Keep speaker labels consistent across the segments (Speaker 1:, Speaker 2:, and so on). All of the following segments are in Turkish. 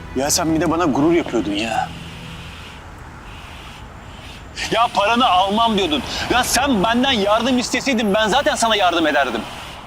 Speaker 1: Ya sen bir de bana gurur yapıyordun ya. Ya paranı almam diyordun. Ya sen benden yardım isteseydin ben zaten sana yardım ederdim.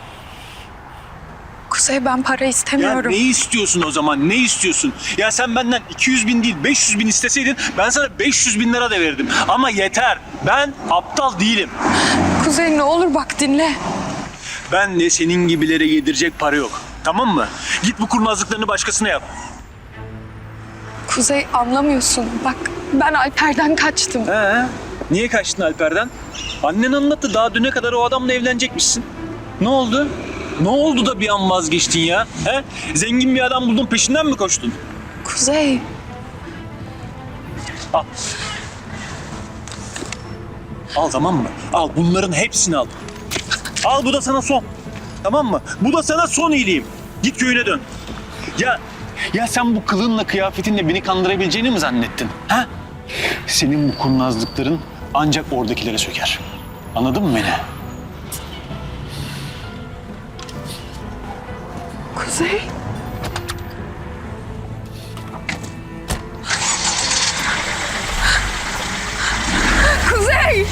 Speaker 2: Kuzey, ben para
Speaker 1: Ya
Speaker 2: istemiyorum.
Speaker 1: ne istiyorsun o zaman? Ne istiyorsun? Ya sen benden 200 bin değil 500 bin isteseydin ben sana 500 bin lira da verirdim. Ama yeter. Ben aptal değilim.
Speaker 2: Kuzey, ne olur bak dinle.
Speaker 1: Ben de senin gibilere yedirecek para yok. Tamam mı? Git bu kurnazlıklarını başkasına yap.
Speaker 2: Kuzey, anlamıyorsun. Bak, ben Alper'den kaçtım.
Speaker 1: Niye kaçtın Alper'den? Annen anlattı, daha düne kadar o adamla evlenecekmişsin. Ne oldu? Ne oldu da bir an vazgeçtin ya? He? Zengin bir adam buldun, peşinden mi koştun?
Speaker 2: Kuzey,
Speaker 1: Al. Al, tamam mı? Al, bunların hepsini al. Al, bu da sana son. Tamam mı? Bu da sana son iyiliğim. Git köyüne dön. Ya sen bu kılığınla, kıyafetinle beni kandırabileceğini mi zannettin? Ha? Senin bu kurnazlıkların ancak oradakilere söker. Anladın mı beni?
Speaker 2: Kuzey. Kuzey!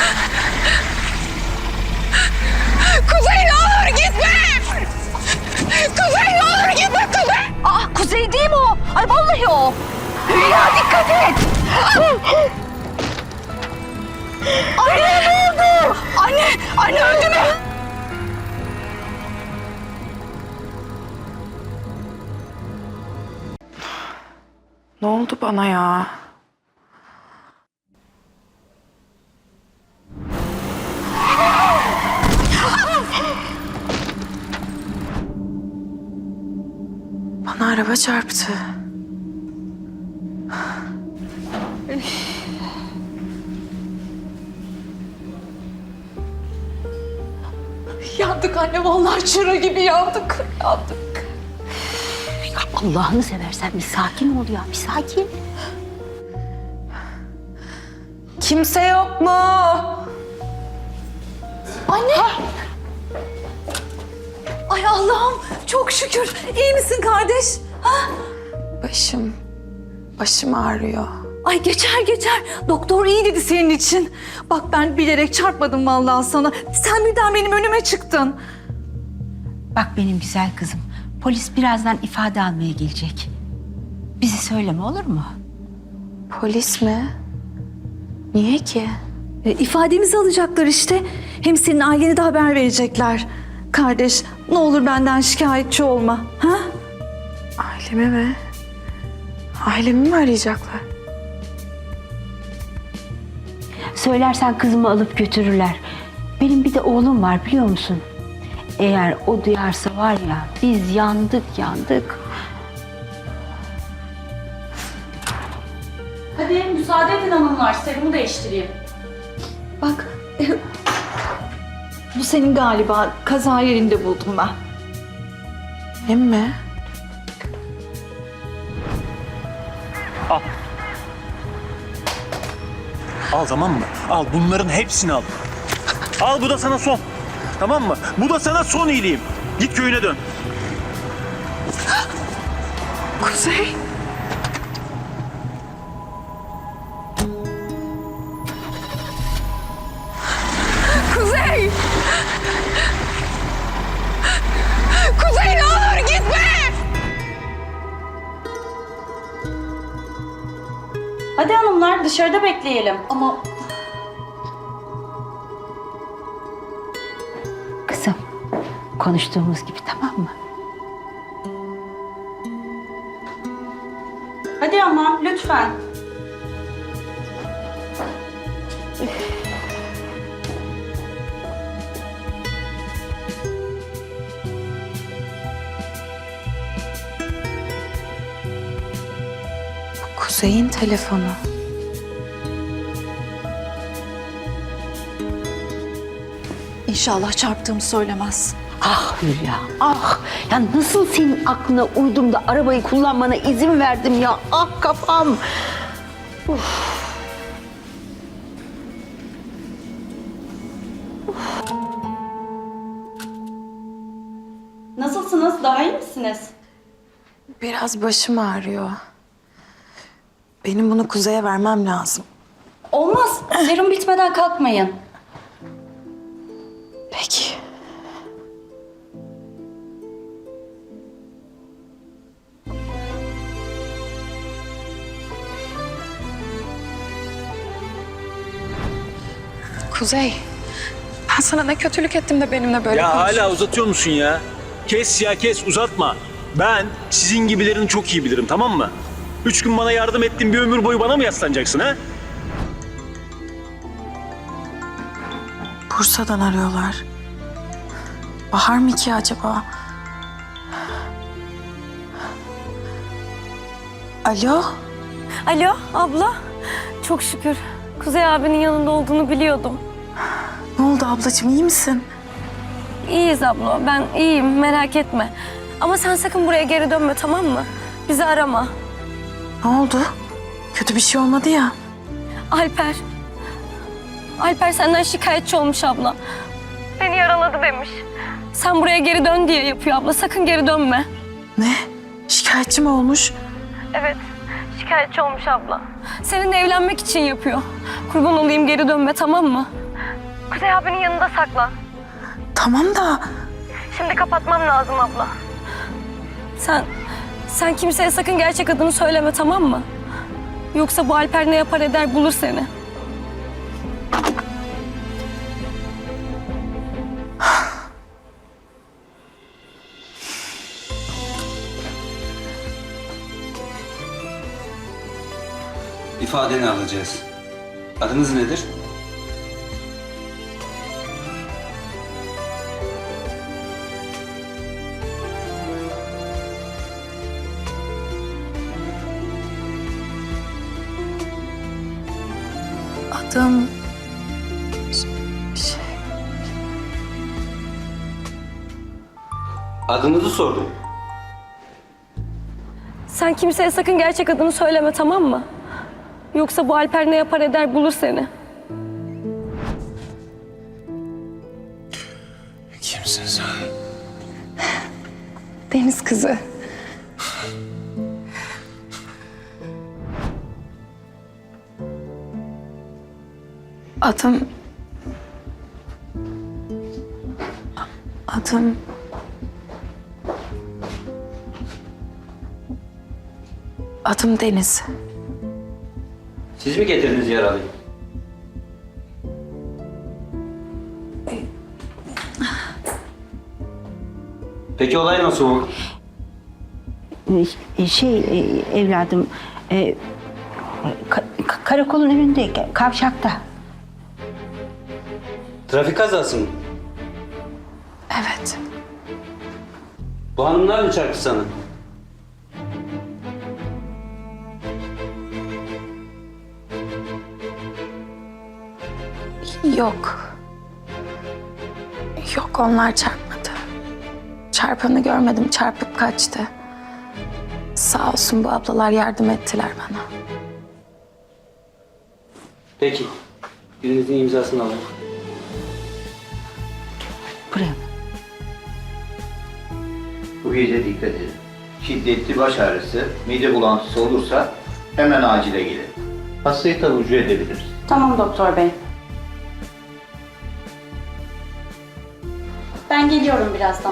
Speaker 2: Kuzey, ne olur gitme! Kuzey, ne olur gitme Kuzey!
Speaker 3: Aa, Kuzey değil mi o? Ay vallahi o. Hülya dikkat et. Anne ne oldu?
Speaker 2: Anne öldü mü? Ne oldu bana ya? Bana araba çarptı. Yandık anne, vallahi çıra gibi yandık. Yandık.
Speaker 3: Ya Allah'ını seversen bir sakin ol ya, bir sakin.
Speaker 2: Kimse yok mu?
Speaker 3: Anne. Ay Allah'ım çok şükür. İyi misin kardeş? Ha?
Speaker 2: Başım ağrıyor.
Speaker 3: Ay geçer. Doktor iyi dedi senin için. Bak ben bilerek çarpmadım vallahi sana. Sen birden benim önüme çıktın.
Speaker 4: Bak benim güzel kızım, polis birazdan ifade almaya gelecek. Bizi söyleme, olur mu?
Speaker 2: Polis mi? Niye ki?
Speaker 3: İfademizi alacaklar işte. Hem senin ailene de haber verecekler. Kardeş ne olur benden şikayetçi olma. Ha?
Speaker 2: Ailemi mi? Ailemi mi arayacaklar?
Speaker 4: Söylersen kızımı alıp götürürler. Benim bir de oğlum var, biliyor musun? Eğer o duyarsa var ya, biz yandık.
Speaker 5: Hadi müsaade edin hanımlar, serumu değiştireyim.
Speaker 3: Bak bu senin galiba, kaza yerinde buldum ben.
Speaker 2: Benim mi?
Speaker 1: Al. Al, tamam mı? Al, bunların hepsini al. Al, bu da sana son. Tamam mı? Bu da sana son iyiliğim. Git köyüne dön.
Speaker 2: Kuzey. Kuzey! Kuzey, ne olur gitme!
Speaker 5: Hadi hanımlar dışarıda bekleyelim.
Speaker 3: Ama
Speaker 4: Kızım, konuştuğumuz gibi, tamam mı?
Speaker 5: Hadi ama lütfen.
Speaker 2: Kuzey'in telefonu.
Speaker 3: İnşallah çarptığımı söylemez.
Speaker 4: Ah Hülya, ah! Ya nasıl senin aklına uydum da arabayı kullanmana izin verdim ya? Ah kafam!
Speaker 5: Nasılsınız? Daha iyi misiniz?
Speaker 6: Biraz başım ağrıyor. Benim bunu Kuzey'e vermem lazım.
Speaker 5: Olmaz. Serum bitmeden kalkmayın.
Speaker 6: Peki. Kuzey, ben sana ne kötülük ettim de benimle böyle
Speaker 1: Ya
Speaker 6: konuşuyorsun?
Speaker 1: hala uzatıyor musun ya? Kes ya kes, uzatma. Ben sizin gibilerini çok iyi bilirim, tamam mı? 3 gün bana yardım ettin, bir ömür boyu bana mı yaslanacaksın ha?
Speaker 6: Bursa'dan arıyorlar. Bahar mı ki acaba? Alo?
Speaker 7: Alo abla. Çok şükür. Kuzey abinin yanında olduğunu biliyordum.
Speaker 6: Ne oldu ablacığım, iyi misin?
Speaker 7: İyiyiz abla. Ben iyiyim, merak etme. Ama sen sakın buraya geri dönme, tamam mı? Bizi arama.
Speaker 6: Ne oldu? Kötü bir şey olmadı ya.
Speaker 7: Alper. Alper senden şikayetçi olmuş abla. Beni yaraladı demiş. Sen buraya geri dön diye yapıyor abla. Sakın geri dönme.
Speaker 6: Ne? Şikayetçi mi olmuş?
Speaker 7: Evet. Şikayetçi olmuş abla. Seninle evlenmek için yapıyor. Kurban olayım, geri dönme, tamam mı? Kuzey abinin yanında saklan.
Speaker 6: Tamam da
Speaker 7: Şimdi kapatmam lazım abla. Sen kimseye sakın gerçek adını söyleme, tamam mı? Yoksa bu Alper ne yapar eder bulur seni.
Speaker 8: İfadeni alacağız. Adınız nedir?
Speaker 6: adım...
Speaker 8: Adınızı sordum.
Speaker 7: Sen kimseye sakın gerçek adını söyleme, tamam mı? Yoksa bu Alper ne yapar eder bulur seni.
Speaker 8: Kimsin sen?
Speaker 6: Deniz kızı. Adım... Adım... Adım Deniz.
Speaker 8: Siz mi getirdiniz yaralıyı? Peki olay nasıl oldu?
Speaker 4: Evladım, karakolun önünde, kavşakta.
Speaker 8: Trafik kazası mı?
Speaker 6: Evet.
Speaker 8: Bu hanımlar mı çarptı sana?
Speaker 6: Yok. Yok, onlar çarpmadı. Çarpanı görmedim, çarpıp kaçtı. Sağ olsun bu ablalar yardım ettiler bana.
Speaker 8: Peki. Birinizin imzasını alayım.
Speaker 4: Buraya.
Speaker 9: Bu gece dikkat edin. Şiddetli baş ağrısı, mide bulantısı olursa hemen acile gelin. Hastayı taburcu edebiliriz.
Speaker 5: Tamam doktor bey. Ben geliyorum birazdan.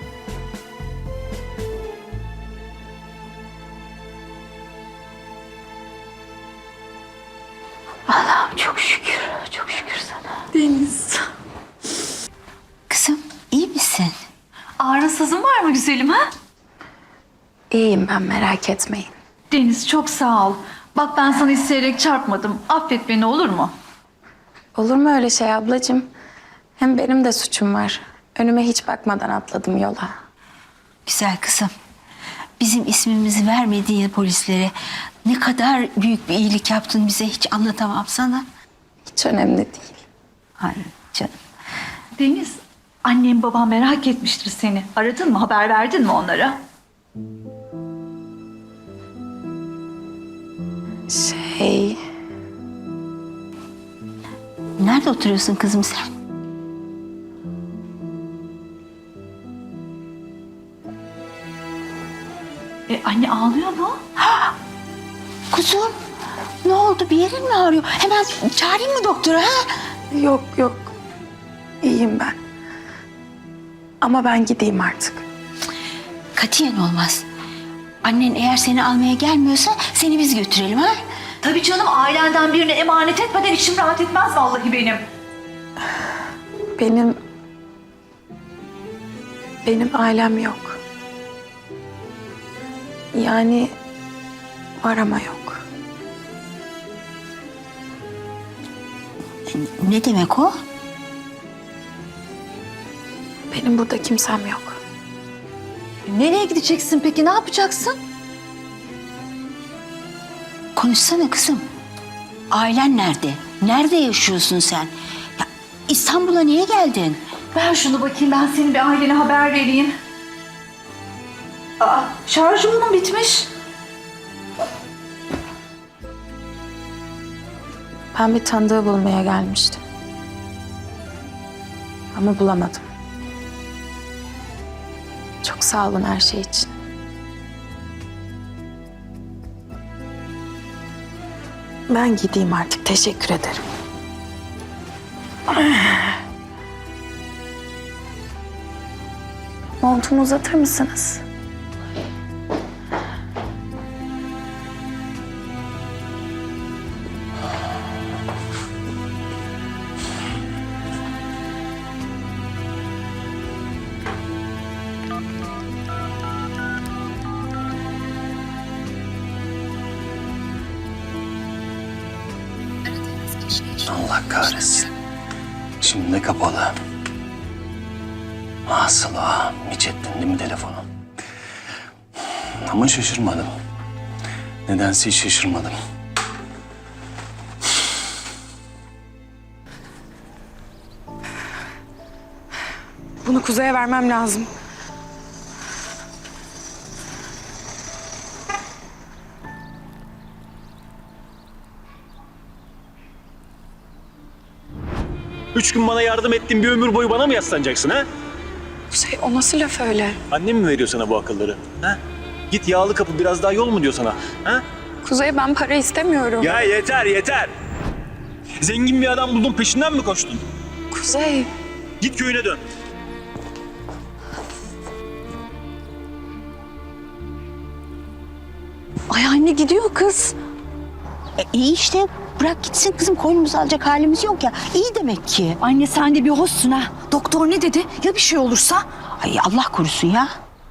Speaker 4: Allah'ım çok şükür, çok şükür sana.
Speaker 6: Deniz.
Speaker 4: Kızım, iyi misin?
Speaker 3: Ağrınsızın var mı güzelim ha?
Speaker 6: İyiyim ben, merak etmeyin.
Speaker 3: Deniz çok sağ ol. Bak ben sana isteyerek çarpmadım. Affet beni, olur mu?
Speaker 6: Olur mu öyle şey ablacığım? Hem benim de suçum var. Önüme hiç bakmadan atladım yola.
Speaker 4: Güzel kızım. Bizim ismimizi vermediğin polislere ne kadar büyük bir iyilik yaptın bize, hiç anlatamam sana.
Speaker 6: Hiç önemli değil.
Speaker 4: Hayır canım.
Speaker 3: Deniz, annem babam merak etmiştir seni. Aradın mı, haber verdin mi onlara?
Speaker 4: Nerede oturuyorsun kızım sen?
Speaker 3: Anne ağlıyor mu?
Speaker 4: Kuzum ne oldu, bir yerin mi ağrıyor? Hemen çağırayım mı doktora ha?
Speaker 6: Yok yok. İyiyim ben. Ama ben gideyim artık.
Speaker 4: Katiyen olmaz. Annen eğer seni almaya gelmiyorsa seni biz götürelim ha?
Speaker 3: Tabii canım, ailenden birine emanet etmeden içim rahat etmez vallahi benim.
Speaker 6: Benim ailem yok. Yani var ama yok.
Speaker 4: Ne demek o?
Speaker 6: Benim burada kimsem yok.
Speaker 3: Nereye gideceksin peki, ne yapacaksın?
Speaker 4: Konuşsana kızım. Ailen nerede? Nerede yaşıyorsun sen? Ya, İstanbul'a niye geldin?
Speaker 3: Ver şunu bakayım, ben senin bir ailene haber vereyim. Aa, şarjı bunun bitmiş.
Speaker 6: Ben bir tanıdığı bulmaya gelmiştim. Ama bulamadım. Çok sağ olun her şey için. Ben gideyim artık. Teşekkür ederim. Montumu uzatır mısınız?
Speaker 1: Allah kahretsin. Şimdi de kapalı. Asla hiç ettin değil mi telefonu? Ama şaşırmadım. Nedense hiç şaşırmadım.
Speaker 6: Bunu Kuzey'e vermem lazım.
Speaker 1: Üç gün bana yardım ettin, bir ömür boyu bana mı yaslanacaksın ha?
Speaker 6: Kuzey o nasıl laf öyle?
Speaker 1: Annem mi veriyor sana bu akılları? Ha? Git yağlı kapı, biraz daha yol mu diyor sana? Ha?
Speaker 6: Kuzey ben para istemiyorum.
Speaker 1: Ya yeter yeter. Zengin bir adam buldun, peşinden mi koştun?
Speaker 6: Kuzey.
Speaker 1: Git köyüne dön.
Speaker 3: Ay anne, gidiyor kız.
Speaker 4: İyi işte, bırak gitsin kızım, koynumuzu alacak halimiz yok ya. İyi demek ki.
Speaker 3: Anne sen de bir hoşsun ha. Doktor ne dedi? Ya bir şey olursa?
Speaker 4: Ay Allah korusun ya.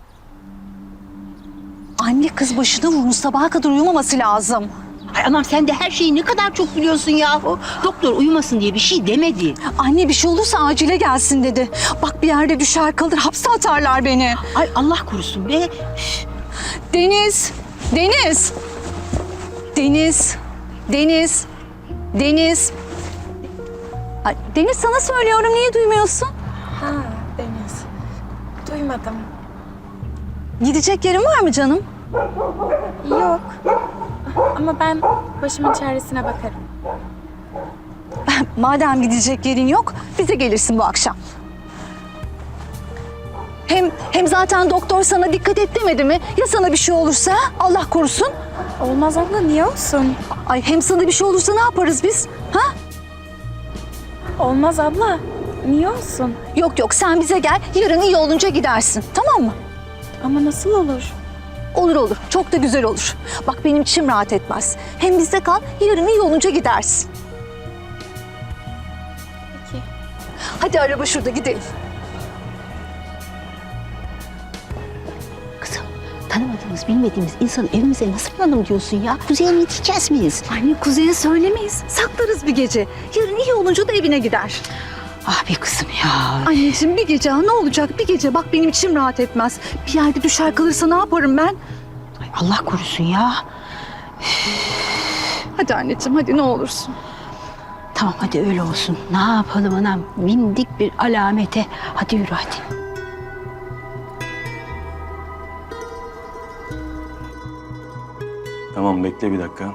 Speaker 3: Anne kız başına vurmuş, sabaha kadar uyumaması lazım.
Speaker 4: Ay anam, sen de her şeyi ne kadar çok biliyorsun yahu. Doktor uyumasın diye bir şey demedi.
Speaker 3: Anne bir şey olursa acile gelsin dedi. Bak bir yerde düşer kalır, hapse atarlar beni.
Speaker 4: Ay Allah korusun be.
Speaker 3: Deniz! Deniz! Deniz! Deniz! Deniz! Ay, Deniz sana söylüyorum, niye duymuyorsun?
Speaker 6: Ha Deniz. Duymadım.
Speaker 3: Gidecek yerin var mı canım?
Speaker 6: Yok. Ama ben başımın çaresine bakarım.
Speaker 3: Madem gidecek yerin yok, bize gelirsin bu akşam. Hem zaten doktor sana dikkat et demedi mi? Ya sana bir şey olursa? Allah korusun.
Speaker 6: Olmaz abla, niye olsun?
Speaker 3: Ay hem sana bir şey olursa ne yaparız biz? Ha?
Speaker 6: Olmaz abla. Niye olsun?
Speaker 3: Yok yok, sen bize gel, yarın iyi olunca gidersin, tamam mı?
Speaker 6: Ama nasıl olur?
Speaker 3: Olur olur, çok da güzel olur. Bak benim içim rahat etmez. Hem bizde kal, yarın iyi olunca gidersin.
Speaker 6: Peki.
Speaker 3: Hadi araba şurada, gidelim.
Speaker 4: Kızım, tanımadığımız, bilmediğimiz insanı evimize nasıl alalım diyorsun ya? Kuzey'e mi yetişeceğiz miyiz?
Speaker 3: Anne Kuzey'e söylemeyiz, saklarız bir gece. Yarın iyi olunca da evine gider.
Speaker 4: Ah be kızım ya.
Speaker 3: Anneciğim bir gece, ne olacak bir gece? Bak benim içim rahat etmez. Bir yerde düşer kalırsa ne yaparım ben?
Speaker 4: Ay, Allah korusun ya.
Speaker 3: Hadi anneciğim, hadi ne olursun.
Speaker 4: Tamam hadi öyle olsun. Ne yapalım anam? Bindik bir alamete. Hadi yürü hadi.
Speaker 1: Tamam, bekle bir dakika.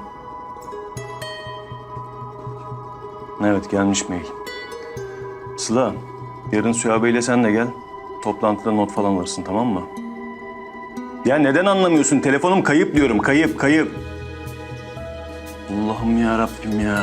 Speaker 1: Evet, gelmiş mail. Sıla, yarın Süha Bey'le sen de gel. Toplantıda not falan alırsın, tamam mı? Ya neden anlamıyorsun? Telefonum kayıp diyorum. Kayıp, kayıp. Allah'ım ya Rabbim ya.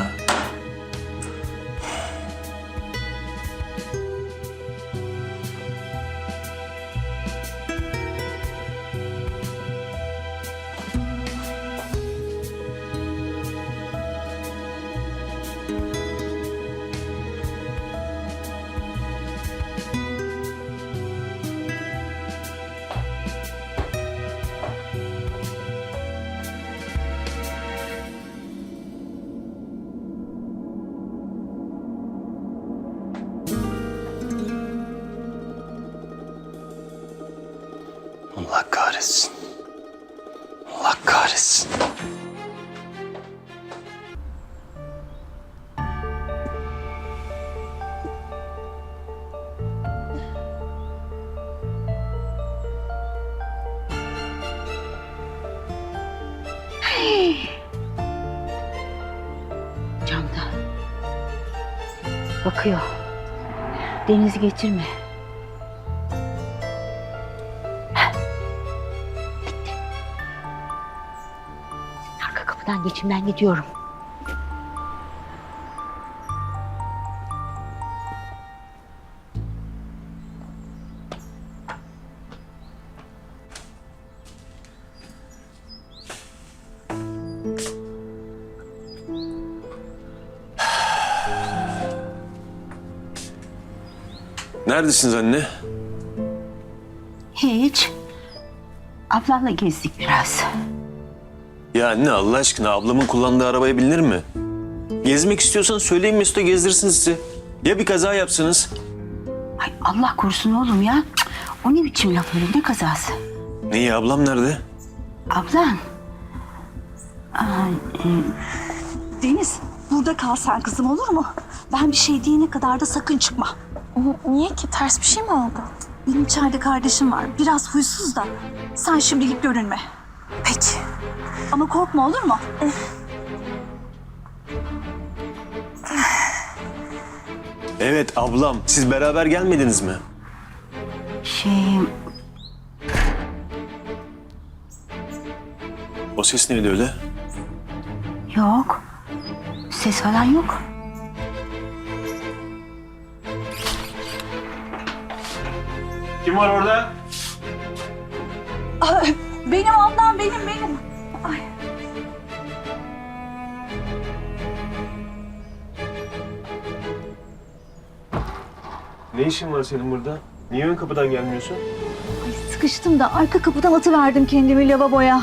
Speaker 1: Allah kahretsin. Allah kahretsin.
Speaker 4: Camda. Bakıyor. Deniz getirme. Bitti. Arka kapıdan geçin, ben gidiyorum.
Speaker 1: Neredesiniz anne?
Speaker 4: Hiç. Ablamla gezdik biraz.
Speaker 1: Ya anne Allah aşkına ablamın kullandığı arabaya binilir mi? Gezmek istiyorsan söyleyin Mesut'a gezdirsin sizi. Ya bir kaza yapsınız?
Speaker 4: Ay Allah korusun oğlum ya. Cık, o ne biçim laf öyle, ne kazası?
Speaker 1: Neyi ablam nerede?
Speaker 4: Ablan.
Speaker 3: Deniz, burada kal sen kızım, olur mu? Ben bir şey diyene kadar da sakın çıkma.
Speaker 6: Niye ki? Ters bir şey mi oldu?
Speaker 3: Benim içeride kardeşim var. Biraz huysuz da. Sen şimdilik görünme.
Speaker 6: Peki.
Speaker 3: Ama korkma, olur mu?
Speaker 1: Evet ablam. Siz beraber gelmediniz mi? O ses neydi öyle?
Speaker 4: Yok. Ses falan yok.
Speaker 1: Kim var orada?
Speaker 3: Benim ablam, benim. Ay.
Speaker 1: Ne işin var senin burada? Niye ön kapıdan gelmiyorsun?
Speaker 3: Ay, sıkıştım da arka kapıdan atıverdim kendimi lavaboya.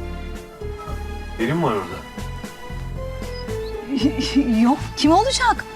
Speaker 1: Benim var orada.
Speaker 3: Yok, kim olacak?